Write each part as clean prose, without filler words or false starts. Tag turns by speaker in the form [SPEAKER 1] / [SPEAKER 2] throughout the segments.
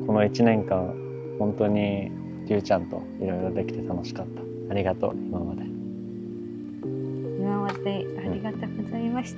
[SPEAKER 1] この1年間本当にりゅうちゃんといろいろできて楽しかった。ありがとう。今まで
[SPEAKER 2] ありがとうございました。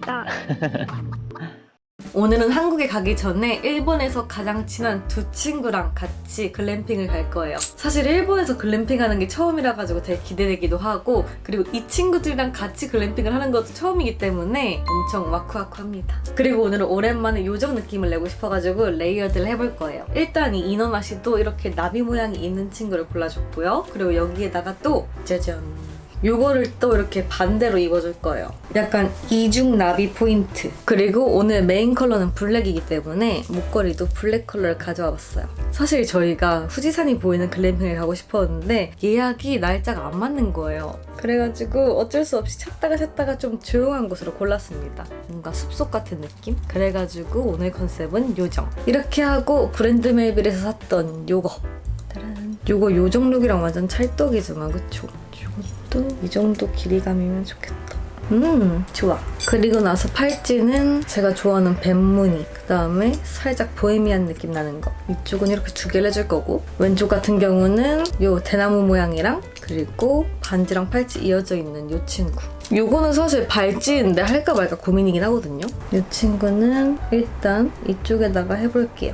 [SPEAKER 3] 오늘은 한국에 가기 전에 일본에서 가장 친한 두 친구랑 같이 글램핑을 갈 거예요. 사실 일본에서 글램핑 하는 게 처음이라 가지고 되게 기대되기도 하고, 그리고 이 친구들이랑 같이 글램핑을 하는 것도 처음이기 때문에 엄청 와쿠와쿠합니다. 그리고 오늘은 오랜만에 요정 느낌을 내고 싶어가지고 레이어드를 해볼 거예요. 일단 이 이너마시도 이렇게 나비 모양이 있는 친구를 골라줬고요. 그리고 여기에다가 또 짜잔, 요거를 또 이렇게 반대로 입어줄 거예요. 약간 이중 나비 포인트. 그리고 오늘 메인 컬러는 블랙이기 때문에 목걸이도 블랙 컬러를 가져와 봤어요. 사실 저희가 후지산이 보이는 글램핑을 가고 싶었는데 예약이 날짜가 안 맞는 거예요. 그래가지고 어쩔 수 없이 찾다가 좀 조용한 곳으로 골랐습니다. 뭔가 숲속 같은 느낌? 그래가지고 오늘 컨셉은 요정. 이렇게 하고 브랜드 멜빌에서 샀던 요거. 따란. 요거 요정 룩이랑 완전 찰떡이잖아, 그쵸? 또 이 정도 길이감이면 좋겠다. 좋아. 그리고 나서 팔찌는 제가 좋아하는 뱀무늬, 그 다음에 살짝 보헤미안 느낌 나는 거. 이쪽은 이렇게 두 개를 해줄 거고, 왼쪽 같은 경우는 요 대나무 모양이랑 그리고 반지랑 팔찌 이어져 있는 요 친구. 요거는 사실 발찌인데 할까 말까 고민이긴 하거든요. 이 친구는 일단 이쪽에다가 해볼게요.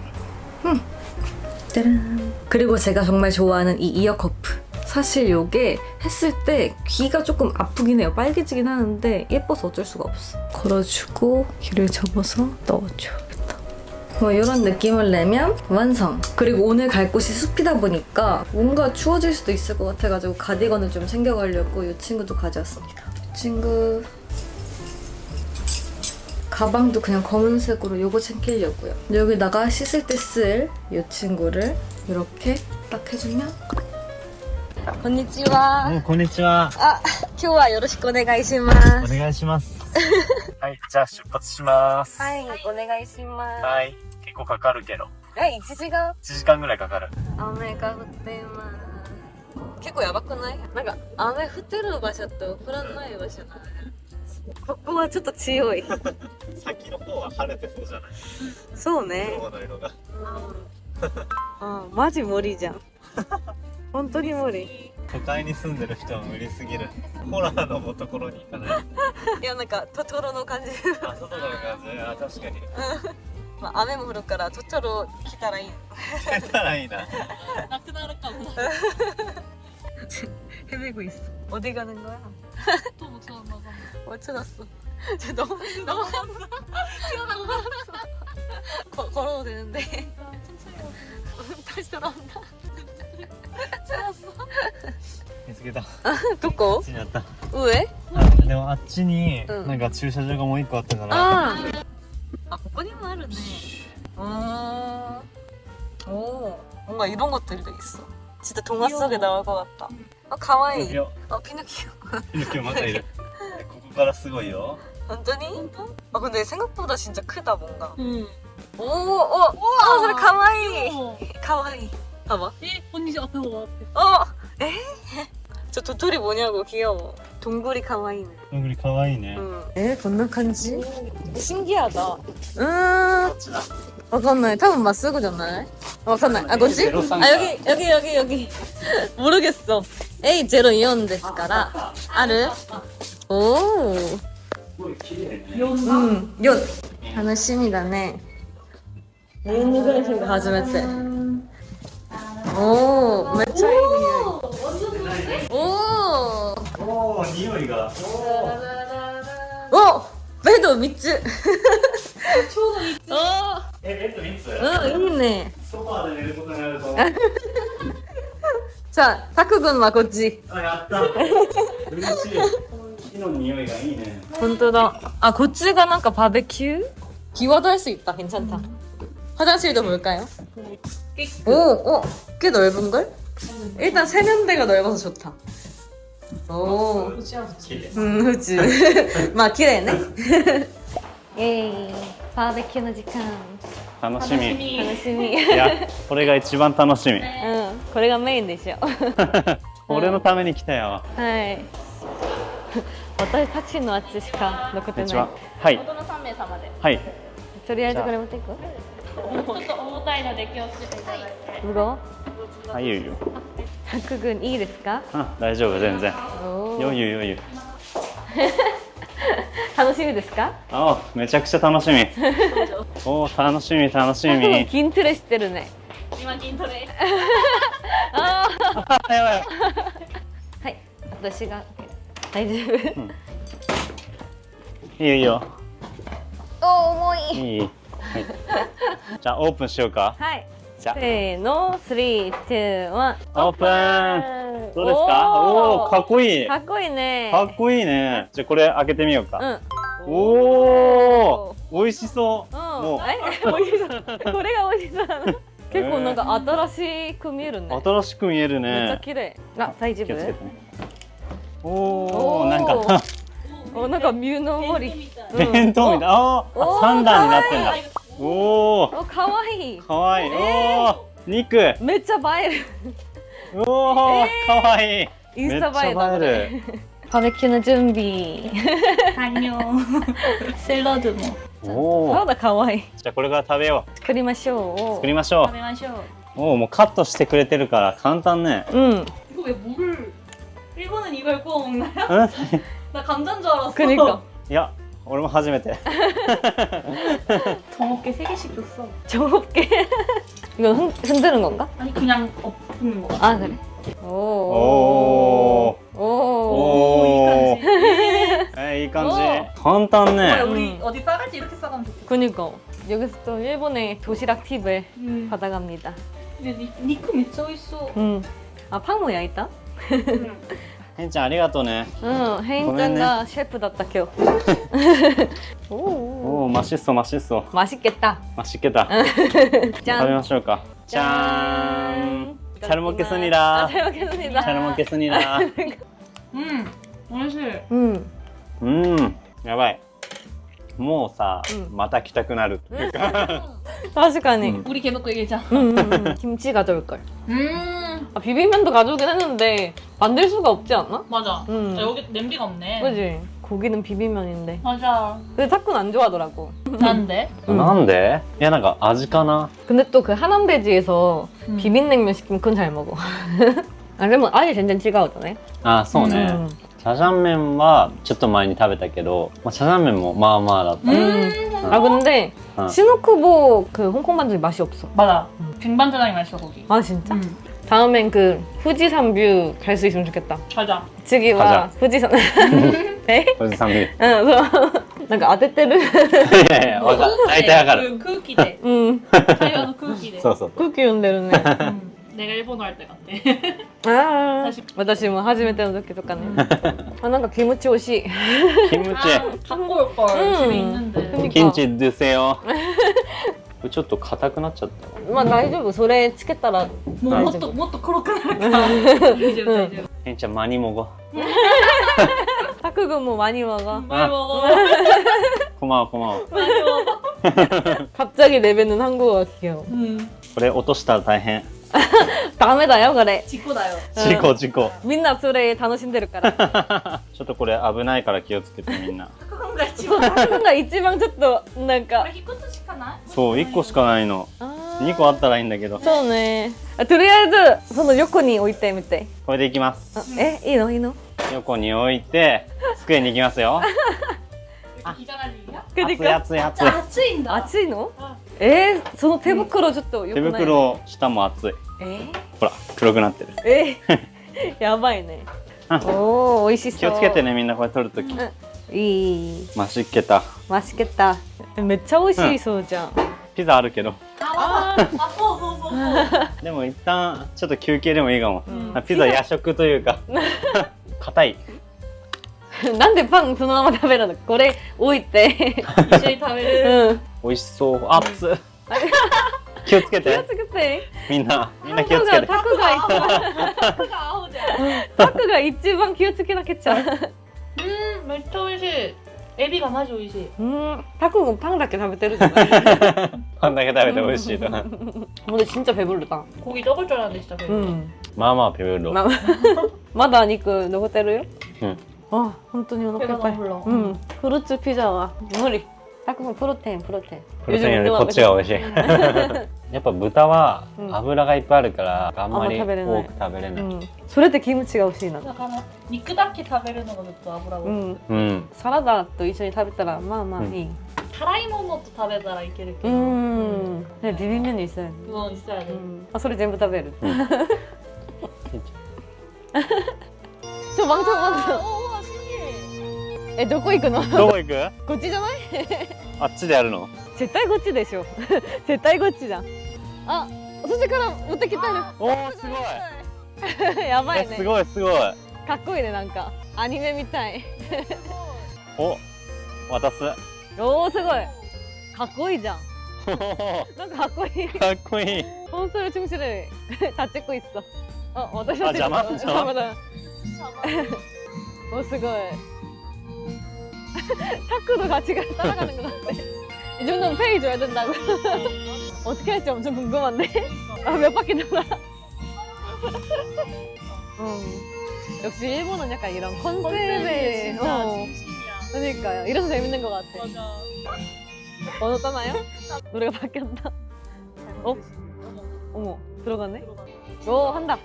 [SPEAKER 3] 짜란. 그리고 제가 정말 좋아하는 이 이어 커프. 사실 요게 했을 때 귀가 조금 아프긴 해요. 빨개지긴 하는데 예뻐서 어쩔 수가 없어. 걸어주고 귀를 접어서 넣어줘야겠다. 뭐 이런 느낌을 내면 완성! 그리고 오늘 갈 곳이 숲이다 보니까 뭔가 추워질 수도 있을 것 같아가지고 가디건을 좀 챙겨가려고 이 친구도 가져왔습니다. 이 친구 가방도 그냥 검은색으로 요거 챙기려고요. 여기다가 씻을 때 쓸 이 친구를 이렇게 딱 해주면 こんにちは。
[SPEAKER 1] こんにちは。
[SPEAKER 3] あ、今日はよろしくお願いします。
[SPEAKER 1] お願いします。はい、じゃあ出発します。
[SPEAKER 3] はい、お願いします。
[SPEAKER 1] はい、結構かかるけど。
[SPEAKER 3] 1時間
[SPEAKER 1] 1時間ぐらいかかる。
[SPEAKER 3] 雨が降っています。結構やばくない？なんか雨降ってる場所と降らない場所。ここはちょっと強い。
[SPEAKER 1] 先の方は晴れてそうじゃない？
[SPEAKER 3] そうね。
[SPEAKER 1] 雲の色が。
[SPEAKER 3] マジ無理じゃん。本当に無理。
[SPEAKER 1] 都会に住んでる人は無理すぎる。ホラーのところに行かない。
[SPEAKER 3] いや、なんかトトロの感じ。
[SPEAKER 1] あ、外の感じ。あ、確かに。
[SPEAKER 3] まあ雨も降るからトトロ来たらいい。
[SPEAKER 1] 来たらいいな。
[SPEAKER 3] なくなるかも。헤매고 있어. 어디 가는 거야?
[SPEAKER 2] 또 못 찾았나 봐.
[SPEAKER 3] 못 찾았어. 너무 걸어도 되는데.
[SPEAKER 2] 천천히 다시 돌아온다. 찾았어.
[SPEAKER 1] 見つけた。
[SPEAKER 3] どこ？
[SPEAKER 1] こっちにあった。
[SPEAKER 3] 上？
[SPEAKER 1] あ、でもあっちに
[SPEAKER 3] うん
[SPEAKER 1] なんか駐車場がもう一個あったから。
[SPEAKER 3] あここにもあるね。오, 뭔가 이런 것들이 있어. 진짜 동화 속에 나올 것 같다. 아, 가와이.
[SPEAKER 1] ピノキオ。
[SPEAKER 3] 피노키오.
[SPEAKER 1] ピノキオまたいる。ここからすごいよ。
[SPEAKER 3] 완전히? 아, 근데 생각보다 진짜 크다, 뭔가.
[SPEAKER 2] 응.
[SPEAKER 3] 우와! 그래, 가와이! 가와이. 봐봐.
[SPEAKER 2] 언니 앞에 봐.
[SPEAKER 3] 에? 저 도토리 뭐냐고, 귀여워. 동굴이 가와이네.
[SPEAKER 1] どんぐりかわいいね。
[SPEAKER 3] 건너 간지? 신기하다.
[SPEAKER 1] こっちだ。
[SPEAKER 3] 와칸나이. 타면 맞쓰고잖아요. 와칸나이. 아, 뭐지? 아, 여기. 모르겠어. A02번 ですから. 아르. 오.
[SPEAKER 1] すごい綺麗ね。
[SPEAKER 3] 요. 楽しみだね. 네이무 그래핑도 가져왔대. 오, 매차いい 오.
[SPEAKER 1] おお、匂いが。
[SPEAKER 3] 오! 배도 3つ.
[SPEAKER 2] ちょうどいい。
[SPEAKER 1] ベッド3つ？
[SPEAKER 3] 있네.
[SPEAKER 1] ソファーで寝ることになると。
[SPEAKER 3] 자, 타쿠군 와, こっち.
[SPEAKER 1] あ、やった。嬉しい。木の匂いがいいね。
[SPEAKER 3] 본떠다. 아, こっちがなんか 바베큐? 기와도 할 수 있다. 괜찮다. 화장실도 볼까요? 오, 꽤 넓은걸? 일단 세면대가 넓어서 좋다. 오,
[SPEAKER 1] 綺麗。
[SPEAKER 3] 후지. まあ綺麗ね. 예이, 바베큐の時間.
[SPEAKER 1] 楽しみ。
[SPEAKER 3] 楽しみ.
[SPEAKER 1] いや、これが一番楽しみ。
[SPEAKER 3] これがメインでしょ.
[SPEAKER 1] 俺のために来たよ。
[SPEAKER 3] はい。私たちのあっちしか残ってない。
[SPEAKER 1] こんにちは。はい。
[SPEAKER 2] 大人3名様で。
[SPEAKER 1] はい。
[SPEAKER 3] とりあえずこれ持っていく？
[SPEAKER 2] ょっと重たいので気をつけていただいて。
[SPEAKER 3] 무거워?
[SPEAKER 1] あ、いいよいいよ。
[SPEAKER 3] 타크군いいですか?
[SPEAKER 1] あ、大丈夫、全然。
[SPEAKER 3] 오.
[SPEAKER 1] 余裕余裕。
[SPEAKER 3] 楽しみですか?
[SPEAKER 1] あ、めちゃくちゃ楽しみ。おー、楽しみ楽しみ。
[SPEAKER 3] 筋トレしてるね。
[SPEAKER 2] 今筋トレ。
[SPEAKER 3] あ
[SPEAKER 1] あ、やばい。
[SPEAKER 3] ーはい、私が大丈夫。
[SPEAKER 1] いいよいいよ。
[SPEAKER 3] お、重い。
[SPEAKER 1] いい。はい。じゃあオープンしようか。
[SPEAKER 3] はい。
[SPEAKER 1] じゃあ
[SPEAKER 3] せーの、3、2、1。
[SPEAKER 1] オープン。どうですか？おおー、かっこいい。
[SPEAKER 3] かっこいいね。
[SPEAKER 1] かっこいいね。じゃあこれ開けてみようか。
[SPEAKER 3] うん。
[SPEAKER 1] おお、美味しそう。
[SPEAKER 3] うん。
[SPEAKER 1] もう
[SPEAKER 3] 美味しそう。これが美味しそうなの。結構なんか新しく見えるね。
[SPEAKER 1] 新しく見える
[SPEAKER 3] めっちゃ
[SPEAKER 1] ね。
[SPEAKER 3] 綺麗。あ、大丈夫
[SPEAKER 1] 気をつけてね。おお、なんか
[SPEAKER 3] お、なんかミューの森。
[SPEAKER 2] みたい。
[SPEAKER 1] 弁当みたい。あ
[SPEAKER 3] お
[SPEAKER 1] あ、三段になってんだ。おお、
[SPEAKER 3] お、かわいい。
[SPEAKER 1] かわいい。おお、肉。
[SPEAKER 3] めっちゃ映える。
[SPEAKER 1] おお、かわいい。
[SPEAKER 3] インスタ映えだ
[SPEAKER 1] めっちゃ映える。
[SPEAKER 3] バーベキューの準備。
[SPEAKER 2] 안녕. 샐러드 뭐.
[SPEAKER 1] おお、
[SPEAKER 3] そうだ、かわいい。
[SPEAKER 1] じゃあこれから食べよ
[SPEAKER 3] 作りましょう。
[SPEAKER 1] 作りましょ
[SPEAKER 2] 食べましょう.
[SPEAKER 1] う。おお、もうカットしてくれてるから簡単ね。
[SPEAKER 3] うん。
[SPEAKER 2] 이거 왜 물을? 일본은 이걸 구워 먹나요?
[SPEAKER 1] うん。
[SPEAKER 2] 나 감자인 줄 알았어.
[SPEAKER 3] 그니까.
[SPEAKER 1] いや、俺も初めて。
[SPEAKER 2] 정어깨 3개씩 줬어.
[SPEAKER 3] 정없게. 이거 흔드는 건가?
[SPEAKER 2] 아니 그냥 엎는 거.
[SPEAKER 3] 아, 그래? 오.
[SPEAKER 1] 오.
[SPEAKER 3] 오.
[SPEAKER 1] 오.
[SPEAKER 2] 이感じ.
[SPEAKER 1] いい感じ
[SPEAKER 3] お。
[SPEAKER 1] 簡単ね。
[SPEAKER 2] 우리 어디 싸갈 때 이렇게 싸가면 좋겠다.
[SPEAKER 3] 그니까. 여기서 또 일본의 도시락 팁을 받아갑니다.
[SPEAKER 2] 근데 니크 진짜 맛있어.
[SPEAKER 3] 아, 팡 모야 있다?
[SPEAKER 1] へんちゃんありがとうね。
[SPEAKER 3] 응, 혜인짱가 셰프였다, 겨. 오.
[SPEAKER 1] おお、マシッソマシッソ。
[SPEAKER 3] 맛있겠다.
[SPEAKER 1] マシッケた。食べ
[SPEAKER 3] 짠.
[SPEAKER 1] ましょうか。じゃーん。
[SPEAKER 3] 짠.
[SPEAKER 1] 잘 먹겠습니다.
[SPEAKER 3] 아, 잘 먹겠습니다.
[SPEAKER 1] 잘 먹겠습니다.
[SPEAKER 2] 맛있어.
[SPEAKER 1] やばい。もうさ、
[SPEAKER 3] うん
[SPEAKER 1] また来たくなるっていうか。
[SPEAKER 3] 確かに.
[SPEAKER 2] 우리 계속 그 얘기했잖아.
[SPEAKER 3] 김치 가져올 걸. 아, 비빔면도 가져오긴 했는데 만들 수가 없지 않나?
[SPEAKER 2] 맞아.
[SPEAKER 3] 음.
[SPEAKER 2] 아, 여기 냄비가 없네.
[SPEAKER 3] 그지? 고기는 비빔면인데.
[SPEAKER 2] 맞아.
[SPEAKER 3] 근데 타쿠는 안 좋아하더라고.
[SPEAKER 2] 난데?
[SPEAKER 1] なんで？いやなんか味かな。
[SPEAKER 3] 근데 또 그 하남돼지에서
[SPEAKER 2] 음.
[SPEAKER 3] 비빔냉면 시키면 그건 잘 먹어. 아, 그러면 아예全然違うじゃない?
[SPEAKER 1] あ、そうね。ジャジャン麺はちょっと前に食べたけど、まあ、ジャジャン麺もまあまあだった。
[SPEAKER 3] 아, 근데
[SPEAKER 1] 어.
[SPEAKER 3] 시노쿠보 그 홍콩 반죽이 맛이 없어.
[SPEAKER 2] 맞아. 빙반짜장이 맛있어 거기.
[SPEAKER 3] 아, 진짜? 다음엔 그 후지산 뷰 갈 수 있으면 좋겠다.
[SPEAKER 2] 가자.
[SPEAKER 3] 지기와
[SPEAKER 1] 가자.
[SPEAKER 3] 후지산. 에?
[SPEAKER 1] おじさん見る。
[SPEAKER 3] 응, 그래서なんか当ててる.
[SPEAKER 1] いやいや、わかる。大体わかる。
[SPEAKER 2] 그空気で.
[SPEAKER 3] 응.
[SPEAKER 2] 자유하는空気で.
[SPEAKER 1] そうそう。
[SPEAKER 3] 空気読んでるね.
[SPEAKER 2] 내가 일본어 할 때 같아.
[SPEAKER 3] ああ、私も初めての時とかね。あ、なんかキムチ美味しい。
[SPEAKER 1] キムチ。
[SPEAKER 2] 갖고 올 걸. 집에 있는데.
[SPEAKER 3] 그니까.
[SPEAKER 1] キムチ드세요。これちょっと硬くなっちゃったわ。
[SPEAKER 3] まあ大丈夫。それつけたら
[SPEAKER 2] 뭐
[SPEAKER 3] 알지.
[SPEAKER 2] 못黒くなるから. 이제 이제.
[SPEAKER 1] へんちゃん많이 먹어。
[SPEAKER 3] 타쿠군 뭐 많이 먹어.
[SPEAKER 2] 많이 먹어.
[SPEAKER 1] こまわこまわ。
[SPEAKER 2] 많이 먹어.
[SPEAKER 3] 갑자기 내뱉는 한국어가 귀여워.
[SPEAKER 1] これ落としたら大変。
[SPEAKER 3] 다음에다요, 그래.
[SPEAKER 2] 직구다요.
[SPEAKER 1] 事故事故。
[SPEAKER 3] 민나それ楽しんでるから.
[SPEAKER 1] ちょっとこれ危ないから気をつけてみんな。
[SPEAKER 2] 그건가
[SPEAKER 3] そう、
[SPEAKER 2] 지금.
[SPEAKER 3] 타쿠군가 이치방ちょっとなんか
[SPEAKER 2] 우리 히코츠시카나?
[SPEAKER 1] そう、1個しかないの。2個あったらいいんだけど。
[SPEAKER 3] そうね。あ、とりあえずその横に置いてみて。
[SPEAKER 1] これでいきます。
[SPEAKER 3] あ、え、いいのいいの？
[SPEAKER 1] 横に置いて、机に行きますよ。
[SPEAKER 2] 기자랄 일이야?
[SPEAKER 1] 熱い熱い熱い。
[SPEAKER 2] 아츠인다.
[SPEAKER 3] 熱いの？
[SPEAKER 2] あ
[SPEAKER 3] その手袋ちょっと良
[SPEAKER 1] 手
[SPEAKER 3] くない？
[SPEAKER 1] 袋下も熱い。ほら、黒くなってる。
[SPEAKER 3] やばいね。
[SPEAKER 1] うん
[SPEAKER 3] おー、美味しそう。
[SPEAKER 1] 気をつけてね、みんなこれ取るとき。
[SPEAKER 3] いい。
[SPEAKER 1] マシッケタ。
[SPEAKER 3] マシケタ。めっちゃ美味しいそうじゃん。
[SPEAKER 1] ピザあるけど。
[SPEAKER 2] 아,そう。
[SPEAKER 1] でも一旦ちょっと休憩でもいいかも。
[SPEAKER 3] うん
[SPEAKER 1] ピザ夜食というか。硬い。
[SPEAKER 3] なんでパンそのまま食べるの？これ置いて。
[SPEAKER 2] 一緒に食べる。
[SPEAKER 3] うん。
[SPEAKER 1] 美味しそう。熱っ。気をつけ
[SPEAKER 3] 気を
[SPEAKER 1] て。
[SPEAKER 3] つけて。
[SPEAKER 1] みんな気をつけて。
[SPEAKER 3] タクが一番
[SPEAKER 2] 타크가 아우자.
[SPEAKER 3] タクが一番気をつけなきゃちゃう。
[SPEAKER 2] 진짜 오이시. 에비가 맛이 오이시.
[SPEAKER 3] タクもパンだけ食べてるじゃない。
[SPEAKER 1] パンだけ食べて美味しいと。
[SPEAKER 3] 근데 진짜 배부르다.
[SPEAKER 2] 고기 적을 줄 알았는데 진짜 배불러.
[SPEAKER 1] まあまあペペロ。
[SPEAKER 3] まだ肉残ってるよ。
[SPEAKER 1] うん。
[SPEAKER 3] 아, 本当にお腹いっぱい。
[SPEAKER 2] 배가 너무 불러.
[SPEAKER 3] フルーツピザは無理。 たくんプロテインプロテイン
[SPEAKER 1] プロテインよりこっちが美味しいやっぱ豚は油がいっぱいあるからあんまり多く食べれない、
[SPEAKER 3] それってキムチが美味しいな。
[SPEAKER 2] だから肉だけ食べるのがずっと油を、
[SPEAKER 3] サラダと一緒に食べたらまあまあいい。
[SPEAKER 2] 辛いものと食べたらいけるけど、
[SPEAKER 3] ね、ビビン麺にしたいね。
[SPEAKER 2] 実はね、
[SPEAKER 3] あ、それ全部食べる。ちょ、ワンちゃんワンちゃん。
[SPEAKER 2] おお、すげえ。
[SPEAKER 3] どこ行くの？
[SPEAKER 1] どこ行く？
[SPEAKER 3] こっちじゃない？
[SPEAKER 1] あっちでやるの？
[SPEAKER 3] 絶対こっちでしょ。絶対こっちじゃん。あ、そっちから持ってきたよ。
[SPEAKER 1] おお、すごい。
[SPEAKER 3] やばいね。
[SPEAKER 1] すごいすごい。
[SPEAKER 3] かっこいいね、なんかアニメみたい。
[SPEAKER 1] お、渡す。
[SPEAKER 3] おお、すごい。かっこいいじゃん。なんかかっこいい。
[SPEAKER 1] かっこいい。
[SPEAKER 3] 本当に춤추를 다찍고 있어.私
[SPEAKER 1] あ、邪魔
[SPEAKER 3] だ。お、すごい。角度が違う따라가는 것 같아. 이 정도면 페이 줘야 된다고. 어떻게 할지 엄청 궁금한데. 아, 몇 바퀴 돌아. 역시 일본은 약간 이런 컨셉에
[SPEAKER 2] 진짜 진심이야.
[SPEAKER 3] 그러니까요. 이래서 재밌는 것 같아.
[SPEAKER 2] 맞아.
[SPEAKER 3] 번호 떠나요? 노래가 바뀌었다. 어? 어머, 들어가네? 오, 한다.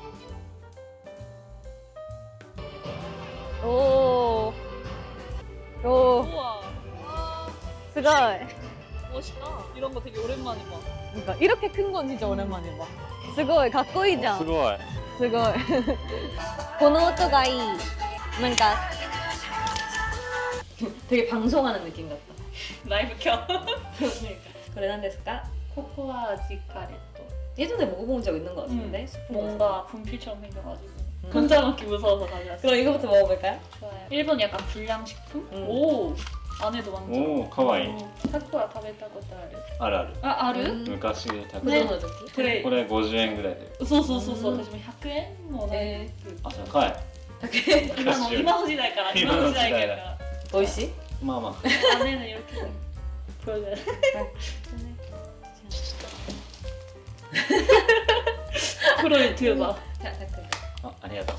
[SPEAKER 3] 오. 오.
[SPEAKER 2] 우와.
[SPEAKER 3] 스고이.
[SPEAKER 2] 멋있다. 이런 거 되게 오랜만에 봐.
[SPEAKER 3] 그러니까 이렇게 큰 건 진짜 오랜만에 봐. 스고이, かっこいいじゃん.
[SPEAKER 1] すごい。
[SPEAKER 3] すごい。この音がいい。なんか되게 방송하는 느낌 같다.
[SPEAKER 2] 라이브 켜.
[SPEAKER 3] 그래,何ですか?
[SPEAKER 2] 코코아 지카레토.
[SPEAKER 3] 예전에 먹어본 적 있는 것 같은데?
[SPEAKER 2] 뭔가 분필처럼 생겨가지고 혼자 먹기 무서워서 가져왔어.
[SPEAKER 3] 그럼 이거부터 먹어볼까요?
[SPEAKER 2] 좋아요. 일본 약간 불량식품?
[SPEAKER 3] 응.
[SPEAKER 2] 오! 안에도 완전.
[SPEAKER 1] おお、かわいい。
[SPEAKER 2] タコは食べたことある。
[SPEAKER 1] あるある。
[SPEAKER 2] あ、ある？
[SPEAKER 1] 昔食べた。
[SPEAKER 2] ね
[SPEAKER 3] の時?
[SPEAKER 2] これ
[SPEAKER 1] これ50円ぐらいで。
[SPEAKER 2] そうそうそうそう。私も100円もない。
[SPEAKER 1] あ、高い。
[SPEAKER 2] 今の時代から今の時代から。
[SPEAKER 3] 美味しい?
[SPEAKER 1] まあまあ。
[SPEAKER 2] 안에는 이렇게 보여줘요. 프로에 들어봐.
[SPEAKER 3] 자, 댓글.
[SPEAKER 1] あ、ありがとう。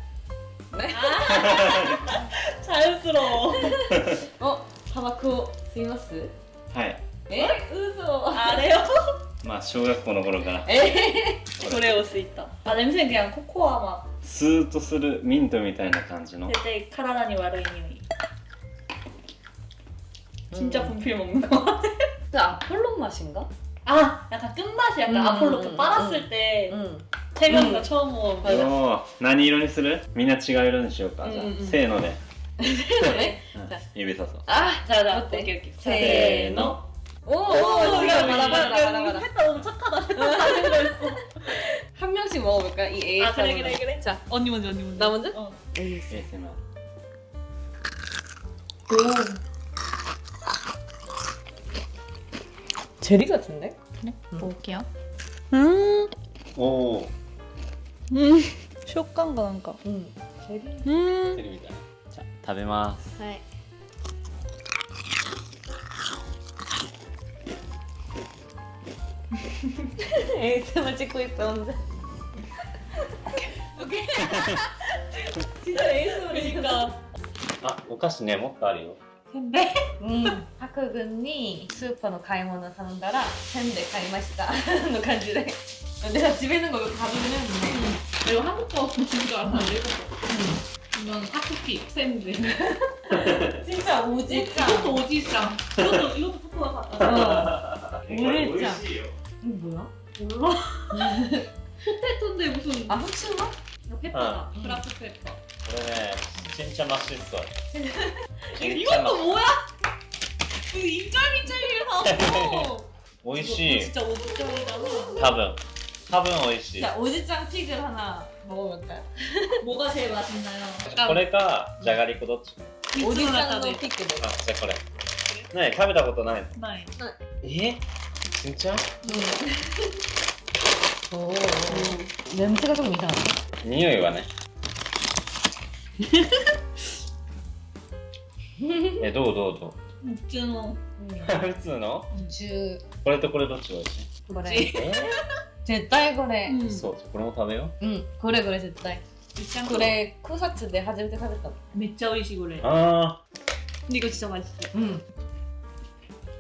[SPEAKER 2] 자연스러워.
[SPEAKER 3] 타바코 吸います?
[SPEAKER 1] はい。
[SPEAKER 3] 嘘.
[SPEAKER 2] 아래요?
[SPEAKER 1] まあ小学校の頃から。
[SPEAKER 2] 그래 올 수 있다. 아 냄새는 그냥 코코아 맛.
[SPEAKER 1] スーッとするミントみたいな感じの。
[SPEAKER 2] 되게 카라다니 와르이匂い. 진짜 분필 먹는 거 같아.
[SPEAKER 3] 그 아폴로 맛인가?
[SPEAKER 2] 아 약간 끝맛이 약간 아폴로 그 빨았을 때 태경이가 처음 먹은 거.
[SPEAKER 1] おお、何色にする？みんな違う色にしようか。じゃあ、せーので。
[SPEAKER 3] 그래?
[SPEAKER 1] 指さそう。
[SPEAKER 3] 아,
[SPEAKER 2] 자자
[SPEAKER 3] 어때?
[SPEAKER 2] 오케이 오케이.
[SPEAKER 3] せーの. 오,
[SPEAKER 2] 지금
[SPEAKER 3] 바라 바라.
[SPEAKER 2] 했다 너무 착하다. 잘했어.
[SPEAKER 3] 한 명씩 먹어볼까? 이 AS.
[SPEAKER 2] 아 그래.
[SPEAKER 3] 자,
[SPEAKER 2] 언니 먼저 언니 먼저.
[SPEAKER 3] 나 먼저?
[SPEAKER 2] 어.
[SPEAKER 3] AS.
[SPEAKER 1] ASMR。
[SPEAKER 3] 제리 같은데?
[SPEAKER 2] 먹을게요.
[SPEAKER 1] おお。
[SPEAKER 2] 식감가 난가.
[SPEAKER 3] 제리.
[SPEAKER 1] テレビみたいな。じゃあ食べます。
[SPEAKER 3] 네. ASMR 찍고 있어 혼자.
[SPEAKER 2] 오케이.
[SPEAKER 3] 진짜 ASMR이니까.
[SPEAKER 1] あ、お菓子ね、もっとあるよ。
[SPEAKER 2] 근데
[SPEAKER 3] 하크군이 스ーパーの買い物頼んだらせんべい買いましたの感じで 내가 집에 있는 거 이거 가져오긴 했는데
[SPEAKER 2] 이거 한국 거 먹는 줄 알았는데 이건 타쿠피 샌드.
[SPEAKER 3] 진짜 오지짱.
[SPEAKER 2] 이것도 오지짱. 이것도 코코아 같다.
[SPEAKER 3] 오지짱. 이거 뭐야?
[SPEAKER 2] 몰라. 포테토인데 무슨
[SPEAKER 3] 아 후추인가?
[SPEAKER 2] 이거 페퍼다. 브라크 페퍼.
[SPEAKER 1] これね、ちんちゃましっそい。
[SPEAKER 2] 이것도 뭐야? 그 인절미절미를 사왔어.
[SPEAKER 1] 美味しい。
[SPEAKER 2] 진짜 오지짱이잖아.
[SPEAKER 1] 多分美味しい。
[SPEAKER 3] 자 오지짱 픽을 하나 먹어볼까요?
[SPEAKER 2] 뭐가 제일 맛있나요?
[SPEAKER 1] これか、じゃがりこどっち？
[SPEAKER 3] 오지짱 のピックで
[SPEAKER 1] あ、じゃあこれ。ね、食べたことないの？
[SPEAKER 2] 나이.
[SPEAKER 1] え？ちんちゃ？
[SPEAKER 3] 오. 냄새가 좀 이상하네.
[SPEAKER 1] 匂いはね。どう
[SPEAKER 2] 묵즈노.
[SPEAKER 1] 普通の？
[SPEAKER 3] 주
[SPEAKER 1] これとこれどっちが美味しい？
[SPEAKER 3] 그래. 絶対これ。
[SPEAKER 1] そう、これも食べよ
[SPEAKER 3] これ絶対。これ草津で初めて食べたの。
[SPEAKER 2] 진짜 오이시 그래.
[SPEAKER 1] う。あ
[SPEAKER 2] 근데 이거 진짜 맛있어.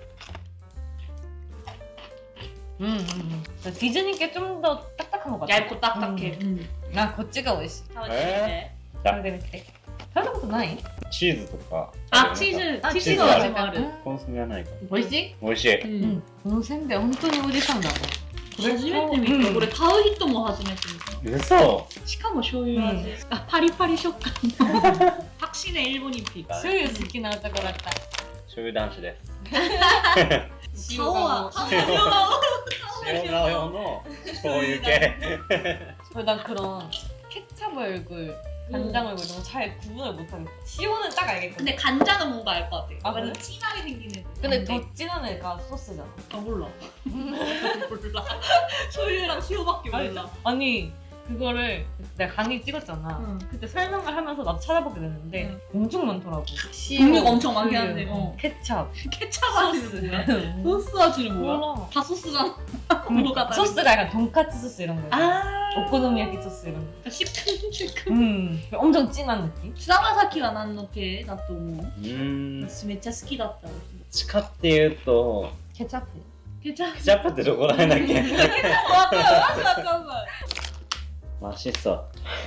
[SPEAKER 3] 디즈니께 좀 더 딱딱한 것 같아.
[SPEAKER 2] 얇고 딱딱해.
[SPEAKER 3] 아, こっちが美味しい.食べてみて。食べたことない?
[SPEAKER 1] チーズとか。
[SPEAKER 2] 아 치즈.
[SPEAKER 3] 아,
[SPEAKER 2] 치즈가
[SPEAKER 1] 치즈가
[SPEAKER 2] 아직 마르.
[SPEAKER 1] コンソメはないか。
[SPEAKER 3] 美味しい?
[SPEAKER 1] 美味しい。
[SPEAKER 3] このせんべい本当におじさんだね。
[SPEAKER 2] 初めて見た。これ買う人も初めて見た。
[SPEAKER 1] 嘘。
[SPEAKER 2] しかも醤油味。あ、パリパリ食感。확실히 일본인 피.
[SPEAKER 3] 醤油好きな男だった。
[SPEAKER 1] 醤油男子です。
[SPEAKER 2] 塩は
[SPEAKER 1] 塩顔用の醤油系。
[SPEAKER 3] 난 그런 케찹 얼굴, 간장 얼굴 이런 거 잘 구분을 못하겠어. 시오는 딱 알겠거든.
[SPEAKER 2] 근데 간장은 뭔가 알 것 같아.
[SPEAKER 3] 아,
[SPEAKER 2] 완전
[SPEAKER 3] 그래?
[SPEAKER 2] 진하게 생긴 애들.
[SPEAKER 3] 근데 더 진한 애가 소스잖아.
[SPEAKER 2] 아 몰라. 몰라.醤油랑塩밖에 몰라.
[SPEAKER 3] 아니 그거를 내가 강의 찍었잖아.
[SPEAKER 2] 응.
[SPEAKER 3] 그때 설명을 하면서 나도 찾아보게 됐는데 엄청 많더라고.
[SPEAKER 2] 종류가 엄청 많긴
[SPEAKER 3] 우유,
[SPEAKER 2] 한데.
[SPEAKER 3] 케찹,
[SPEAKER 2] 케찹 아지는 뭐야? 소스 아지는 뭐야?
[SPEAKER 3] 몰라.
[SPEAKER 2] 다 소스잖아. 뭐가 다른
[SPEAKER 3] 소스가 약간 돈까스 소스 이런 거.
[SPEAKER 2] 아.
[SPEAKER 3] 오코노미야키 소스 이런 거.
[SPEAKER 2] 시큼시큼.
[SPEAKER 3] 엄청 진한 느낌?
[SPEAKER 2] 菅田将暉が何の系だと思う
[SPEAKER 1] うん。
[SPEAKER 2] 私めっちゃ好きだった。
[SPEAKER 1] 地下っていうと、
[SPEAKER 3] 케찹.
[SPEAKER 2] ケチャッ
[SPEAKER 1] ケチャップってどこら辺だっけ？
[SPEAKER 2] プわかるわかんない
[SPEAKER 1] 맛있어.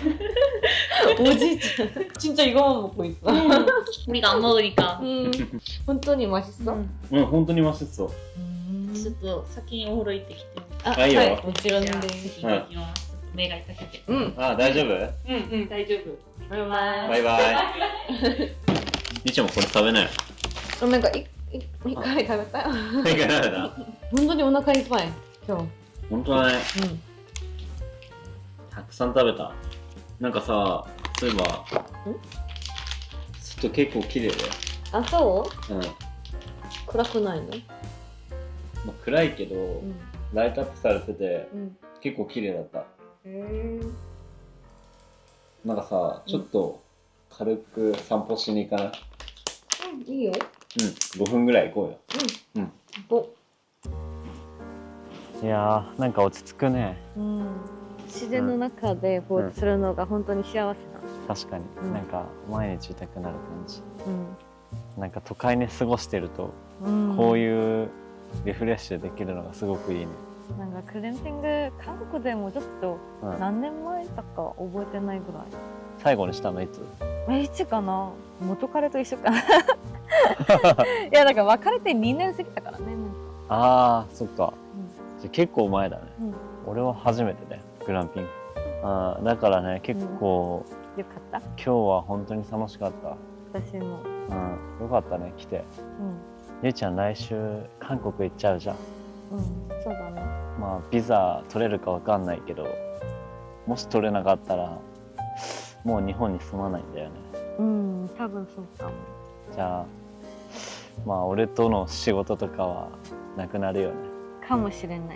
[SPEAKER 3] 오지 진짜 이거만 먹고 있어.
[SPEAKER 2] 우리가 안 먹으니까
[SPEAKER 3] 本当に 맛있어?
[SPEAKER 1] うん、本当に맛있어.
[SPEAKER 2] ちょっと先にお風呂行ってきて
[SPEAKER 3] 아,
[SPEAKER 1] 아이요.
[SPEAKER 3] はいもちろん
[SPEAKER 2] じゃあ
[SPEAKER 3] で
[SPEAKER 2] 先行ってきますちょっと目が痛くて
[SPEAKER 1] あ、大丈夫？
[SPEAKER 2] 大丈夫
[SPEAKER 3] バイバ
[SPEAKER 1] バイバイ。みーちゃんもこれ食べなよ。
[SPEAKER 3] なんか一回食べたよ。
[SPEAKER 1] いかがだ？
[SPEAKER 3] 本当にお腹いっぱい今日。
[SPEAKER 1] 本当だね。
[SPEAKER 3] うん。
[SPEAKER 1] たくさん食べた。なんかさ、そういえば、外結構綺麗だよ。
[SPEAKER 3] あ、そう
[SPEAKER 1] うん。ま
[SPEAKER 3] 暗くないの？
[SPEAKER 1] あ、暗いけど、
[SPEAKER 3] ん。
[SPEAKER 1] ライトアップされてて、
[SPEAKER 3] うん。
[SPEAKER 1] 結構綺麗だった。
[SPEAKER 3] へえ。
[SPEAKER 1] なんかさ、ちょっと軽く散歩しに行かない？
[SPEAKER 3] いいよ。
[SPEAKER 1] うん、5分ぐらい行こうよ。いやー、なんか落ち着くね。
[SPEAKER 3] 自然の中でぼーっとするのが本当に幸せな。
[SPEAKER 1] 確かに、なんか毎日いたくなる感じ。
[SPEAKER 3] うん。
[SPEAKER 1] なんか都会に過ごしてると、
[SPEAKER 3] うん
[SPEAKER 1] こういうリフレッシュできるのがすごくいいね。
[SPEAKER 3] なんかクレンピング韓国でもちょっと
[SPEAKER 1] うん、
[SPEAKER 3] 何年前だか覚えてないぐらい。
[SPEAKER 1] 最後にしたのいつ？
[SPEAKER 3] いつかな、元彼と一緒かな。いやだから別れて2年過ぎたからね。
[SPEAKER 1] あー、そっか。じゃあ結構前だね。
[SPEAKER 3] うん
[SPEAKER 1] 俺は初めてだよ、グランピング。あー、だからね、結構、
[SPEAKER 3] よかった。
[SPEAKER 1] 今日は本当に楽しかった。
[SPEAKER 3] 私も。
[SPEAKER 1] うん、よかったね、来て。ゆいちゃん来週韓国行っちゃうじゃん。
[SPEAKER 3] そうだね。
[SPEAKER 1] まあビザ取れるかわかんないけど、もし取れなかったらもう日本に住まないんだよね。
[SPEAKER 3] 多分そうかも。
[SPEAKER 1] じゃあまあ俺との仕事とかはなくなるよね。
[SPEAKER 3] かもしれない。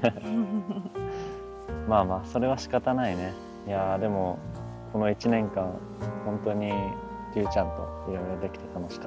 [SPEAKER 1] まあまあそれは仕方ないね。いやーでもこの1年間本当にりゅうちゃんといろいろできて楽しかった。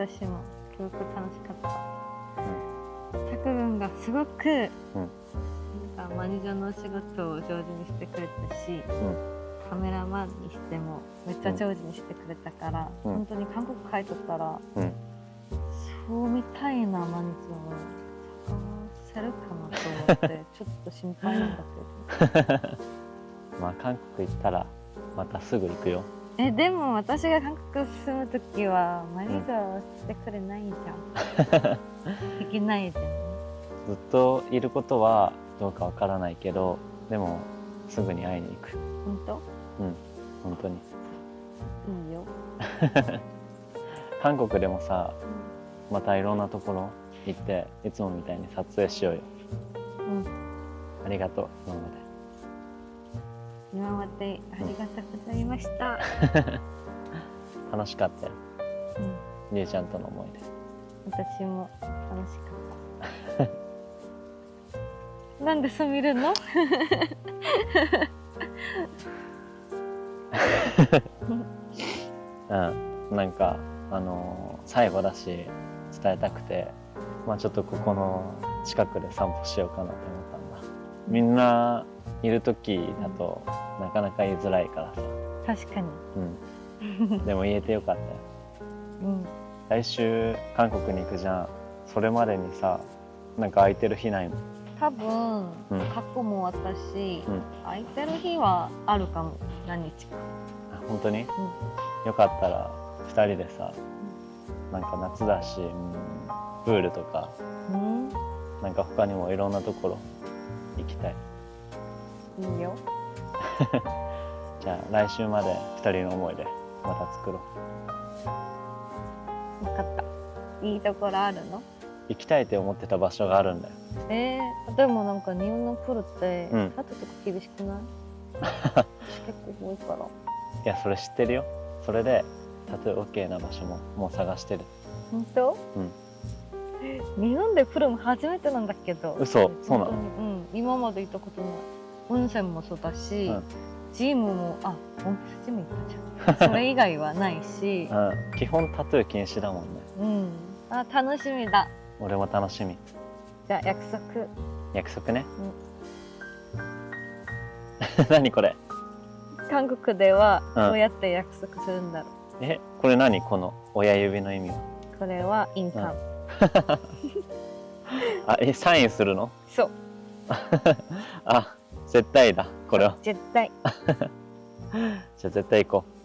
[SPEAKER 3] 私もすごく楽しかった。タク君がすごく、なんかマネージャーのお仕事を上手にしてくれたし、カメラマンにしてもめっちゃ上手にしてくれたから、本当に韓国帰っとったら、そうみたいなマネージャーを探せるかなと思ってちょっと心配なんだけど。
[SPEAKER 1] まあ韓国行ったらまたすぐ行くよ。
[SPEAKER 3] でも私が韓国住むときはマネージャーしてくれないじゃん。できないじゃん。
[SPEAKER 1] ずっといることはどうかわからないけど、でもすぐに会いに行く。
[SPEAKER 3] 本当？
[SPEAKER 1] 本当に。
[SPEAKER 3] いいよ。
[SPEAKER 1] 韓国でもさ、またいろんなところ行っていつもみたいに撮影しようよ。ありがとう今まで。
[SPEAKER 3] 今までありがとうございました。
[SPEAKER 1] 楽しかったよ。りゅうちゃんとの思い出。
[SPEAKER 3] 私も楽しかった。なんでそう見るの？
[SPEAKER 1] なんか最後だし伝えたくて、まあちょっとここの近くで散歩しようかなって思ったんだ。みんないる時だとなかなか言いづらいからさ。
[SPEAKER 3] 確かに。
[SPEAKER 1] でも言えてよかったよ。来週韓国に行くじゃん。それまでにさ、 なんか空いてる日ないの？
[SPEAKER 3] 多分、
[SPEAKER 1] うん
[SPEAKER 3] 過去も私、
[SPEAKER 1] うん
[SPEAKER 3] 空いてる日はあるかも。何日か。
[SPEAKER 1] あ本当に？よかったら2人でさ、なんか夏だし、プールとか
[SPEAKER 3] うん
[SPEAKER 1] なんか他にもいろんなところ行きたい。
[SPEAKER 3] いいよ。
[SPEAKER 1] じゃあ来週まで2人の思い出また作ろう。
[SPEAKER 3] 分かった。いいところあるの？
[SPEAKER 1] 行きたいって思ってた場所があるんだよ。
[SPEAKER 3] でもなんか日本のプールって
[SPEAKER 1] うん
[SPEAKER 3] タトゥとか厳しくない？私結構多いから。
[SPEAKER 1] いやそれ知ってるよ。それでタトゥー OK な場所ももう探してる。
[SPEAKER 3] 本当？日本でプールも初めてなんだけど。
[SPEAKER 1] 嘘？そうなの？
[SPEAKER 3] 本当に今まで行ったことない。温泉もそうだし、
[SPEAKER 1] うん
[SPEAKER 3] ジムも温泉ジム行ったじゃん。それ以外はないし、
[SPEAKER 1] 基本タトゥー禁止だもんね。
[SPEAKER 3] 楽しみだ。
[SPEAKER 1] 俺も楽しみ。
[SPEAKER 3] じゃあ約束。
[SPEAKER 1] 約束ね。何これ？
[SPEAKER 3] 韓国では
[SPEAKER 1] うん
[SPEAKER 3] どうやって約束するんだろう。
[SPEAKER 1] これ何？この親指の意味は。
[SPEAKER 3] これはインカム。
[SPEAKER 1] サインするの？
[SPEAKER 3] そう。
[SPEAKER 1] 絶対だこれは。
[SPEAKER 3] 絶対。
[SPEAKER 1] じゃあ絶対行こう。